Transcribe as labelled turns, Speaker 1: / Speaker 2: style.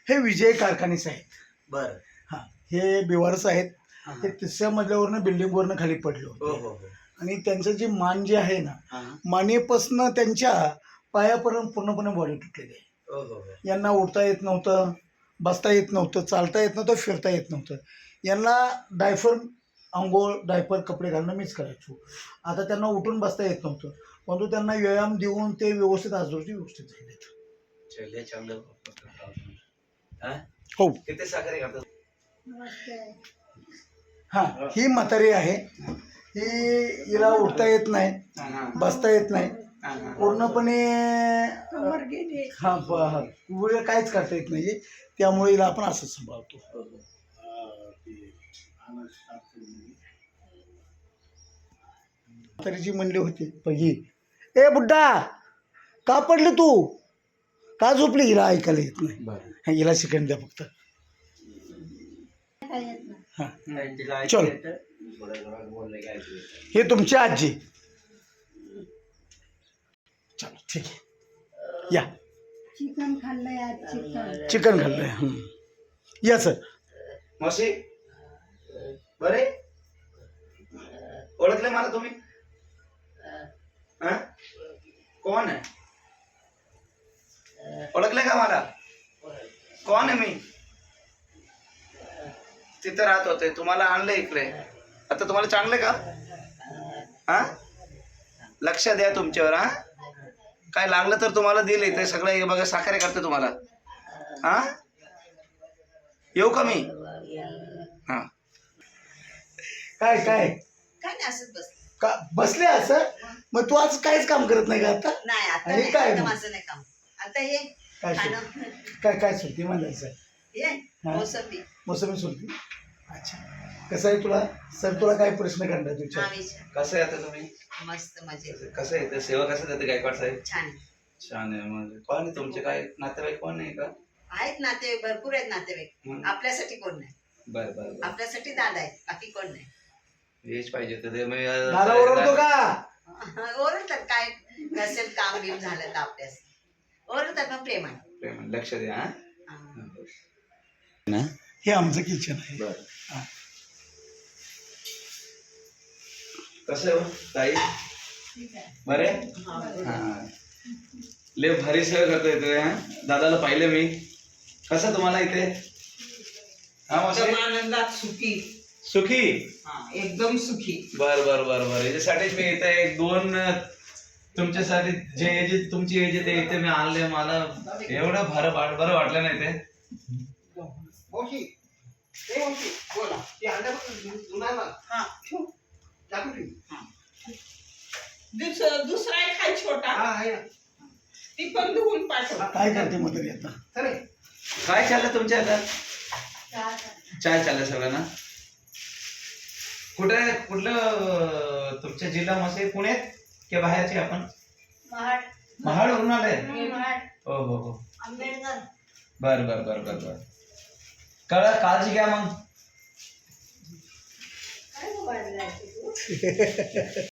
Speaker 1: हे विजय कारखानेच आहेत.
Speaker 2: बर.
Speaker 1: हां, हे बिवारस आहेत. ते 3ऱ्या मजल्यावरनं बिल्डिंगवरनं खाली पडले
Speaker 2: हो
Speaker 1: होते.
Speaker 2: हो हो.
Speaker 1: आणि त्यांचं जे मान जे आहे ना,
Speaker 2: हा.
Speaker 1: मानेपासनं त्यांच्या पायापर्यंत पूर्णपणे बॉडी तुटलेली आहे.
Speaker 2: हो हो हो.
Speaker 1: यांना उठता येत नव्हतं, बसता येत नव्हतं, चालता येत नव्हतं, फिरता येत नव्हतं. यांना डायफर अंघोळ, डायपर कपडे घालणं मीच करायचो. आता त्यांना उठून बसता येत नव्हतं, परंतु त्यांना व्यायाम देऊन ते व्यवस्थित आजूबाजू व्यवस्थित झालेत.
Speaker 2: चल चांगलं. हा?
Speaker 1: हो.
Speaker 2: किती साखरे करतात?
Speaker 1: हां, ही म्हातारी आहे. ही हिला उठता येत नाही, बसता येत नाही, पूर्णपणे हां पुढे काहीच करता येत नाही. त्यामुळे हिला आपण असंच सांभाळतो. म्हातारीची म्हणली होती पहिली, ए बुड्डा का पडली तू, का झोपली? हिला ऐकायला येत नाही. हिला शिकण द्या फक्त. हां, चल. हे तुमची आजी. चलो ठीक आहे, या.
Speaker 3: चिकन खाल्लंय आज.
Speaker 1: चिकन खाल्लंय. या सर.
Speaker 2: मावशी बरे ओळखले मला तुम्ही? हा? कोण आहे? ओळखले का मला? कोण आहे मी? तिथे राहत होते, तुम्हाला आणलं इकडे. आता तुम्हाला चांगले का? हा, लक्ष द्या तुमच्यावर. हा, काय लागलं तर तुम्हाला दिले ते सगळं. हे बघा साखरे करते तुम्हाला. हा, येऊ का मी? हा.
Speaker 1: काय काय
Speaker 4: काय नाही, असंच बस.
Speaker 1: का बसले असं? मग तू आज काहीच काम करत नाही का आता?
Speaker 4: नाही आता
Speaker 1: आणि
Speaker 4: नाही,
Speaker 1: काय
Speaker 4: आता
Speaker 1: मग?
Speaker 4: माझं नाही काम. आता हे
Speaker 1: काय
Speaker 4: खाणं,
Speaker 1: काय काय सुट्टी म्हणायचं?
Speaker 4: हे मोसंबी.
Speaker 1: मोसमी सुट्टी. अच्छा, कसं आहे तुला सर, तुला काय प्रश्न काढणार तुझ्या?
Speaker 4: हा, विचार.
Speaker 2: कसं आहे आता तुम्ही?
Speaker 4: मस्त मजेत.
Speaker 2: कसं आहे ते सेवा कसं देते गायकवाड साहेब?
Speaker 4: छान.
Speaker 2: छान आहे. म्हणजे कोण आहे तुमचे, काय नातेवाईक कोण नाही का?
Speaker 4: आहेत नातेवाईक, भरपूर आहेत नातेवाईक.
Speaker 2: हं.
Speaker 4: आपल्यासाठी कोण नाही.
Speaker 2: बर बर बर.
Speaker 4: आपल्यासाठी दादा आहेत, बाकी कोण नाही.
Speaker 2: हेच पाहिजे तर
Speaker 1: मला ओरडतो का?
Speaker 4: ओरडतात, काय नसेल काम बिम झालं तर आपल्यास ओरडतात, मग प्रेम आहे.
Speaker 2: प्रेम लक्ष द्या. हा?
Speaker 4: हा.
Speaker 1: हे आमचं किचन आहे.
Speaker 2: बर.
Speaker 1: हा.
Speaker 2: कसं आहे हो, ताई? बरे? हा. लय भारी सेवा करतो इथे. हा, दादाला पाहिलं मी. कसं तुम्हाला इथे? हा मावशी?
Speaker 5: एकदम आनंदात सुखी.
Speaker 2: सुखी?
Speaker 5: एकदम सुखी.
Speaker 2: बर बर बर बर. याच्यासाठीच मी इथे एक दोन तुमच्यासाठी जे तुमची एज ते इथे मी आणले. मला एवढं बरं वाटलं नाही ते.
Speaker 5: बोला. हा. दुसरा एक आहे छोटा, ती पण धुवून पाठव.
Speaker 1: काय करते मग तरी आता?
Speaker 2: काय चाललं तुमच्या आता? चाय चाललं सगळं ना? कुठलं तुमच्या जिल्हा मसे पुण्यात की बाहेरचे आपण? महाडवरून आले? हो हो हो.
Speaker 4: आंबेडकर.
Speaker 2: बर बर बर बर बर. काळजी घ्या मग.
Speaker 4: काय